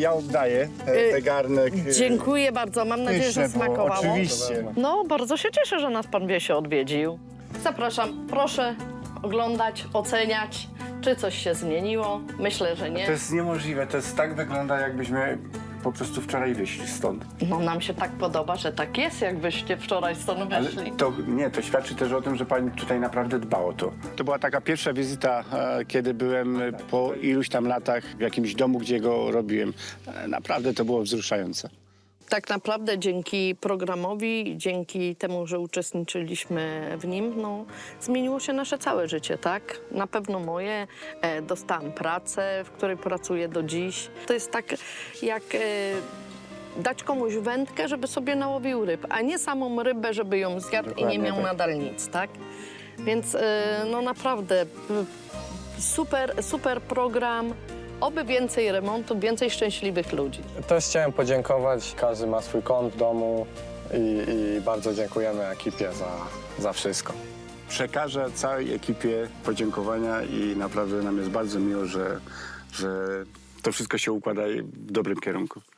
ja oddaję te garnek. Dziękuję bardzo, mam nadzieję, że Pyszne było, smakowało. oczywiście. No, bardzo się cieszę, że nas pan Wiesio odwiedził. Zapraszam, proszę oglądać, oceniać, czy coś się zmieniło. Myślę, że nie. To jest niemożliwe, to jest tak wygląda, jakbyśmy po prostu wczoraj wyszli stąd. No, nam się tak podoba, że tak jest, jakbyście wczoraj stąd Ale wyszli. to świadczy też o tym, że pani tutaj naprawdę dba o to. To była taka pierwsza wizyta, kiedy byłem po iluś tam latach w jakimś domu, gdzie go robiłem. Naprawdę to było wzruszające. Tak naprawdę dzięki programowi, dzięki temu, że uczestniczyliśmy w nim, no, zmieniło się nasze całe życie, tak? Na pewno moje. Dostałam pracę, w której pracuję do dziś. To jest tak jak dać komuś wędkę, żeby sobie nałowił ryb, a nie samą rybę, żeby ją zjadł i nie Dokładnie miał tak. nadal nic, tak? Więc no naprawdę super program. Oby więcej remontu, więcej szczęśliwych ludzi. Też chciałem podziękować. Każdy ma swój kąt w domu i bardzo dziękujemy ekipie za wszystko. Przekażę całej ekipie podziękowania i naprawdę nam jest bardzo miło, że to wszystko się układa w dobrym kierunku.